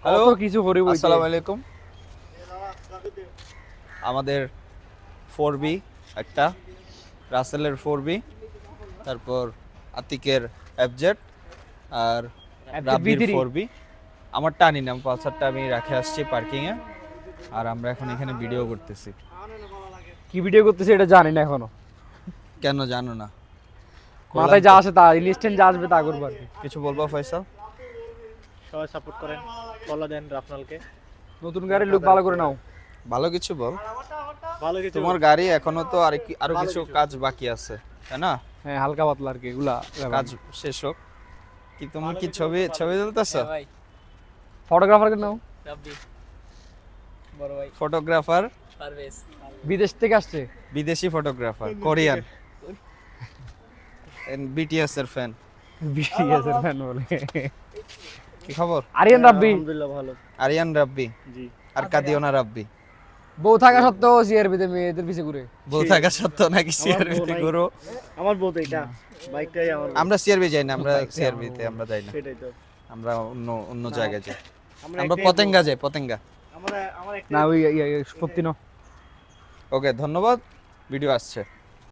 Hello কিছু করে বইতে। আসসালামু আলাইকুম। আমাদের 4B একটা, রাসেলের 4B, তারপর আতিকের FZ আর রাব্বির V3 4B। আমারটা আনি না, পালসারটা আমি রেখে আসছি পার্কিংয়ে। আর আমরা এখন এখানে ভিডিও করতেছি। কি ভিডিও করতেছে এটা জানি না এখনো। কেন জানো না? মাথায় যা আসে তা, ইনস্ট্যান্ট যা আসবে তা করবো আর কি। কিছু বলবো ফয়সাল? সবাই সাপোর্ট করেন, ফলো দেন রাফনালকে। নতুন গাড়ির লুক ভালো করে নাও। ভালো কিছু বল। ভালো কিছু তোমার গাড়ি এখনো তো আরো কিছু কাজ বাকি আছে, তাই না? হ্যাঁ, হালকা পাতলা আর কি এগুলা কাজ শেষ হোক। কি তুমি কি ছবি তুলতেছো? ফটোগ্রাফারকে নাও। রাব্বি বড় ভাই ফটোগ্রাফার, পারভেজ বিদেশ থেকে আসছে। বিদেশি ফটোগ্রাফার, কোরিয়ান, BTS এর ফ্যান। BTS এর ফ্যান বলে। কি খবর? আরিয়ান রাব্বি আলহামদুলিল্লাহ ভালো। আরিয়ান রাব্বি জি। আর কাদিওনা রাব্বি। বউ থাকা সত্ত্বেও সিআরবিতে মেয়েদের পিছে ঘুরে। বউ থাকা সত্ত্বেও নাকি আমার সিআরবি বউ তে নাই। ঘুরো? আমার বউ তো এটা, বাইকটাই আমার বউ। আমরা সিআরবি যাই না, আমরা সিআরবি তে আমরা যাই না, সেটাই তো। আমরা অন্য জায়গায় যাই। আমরা একটাই পতেঙ্গা বউ। যাই, পতেঙ্গা। আমার একটাই না ওই সত্যি না। ওকে, ধন্যবাদ। ভিডিও আসছে।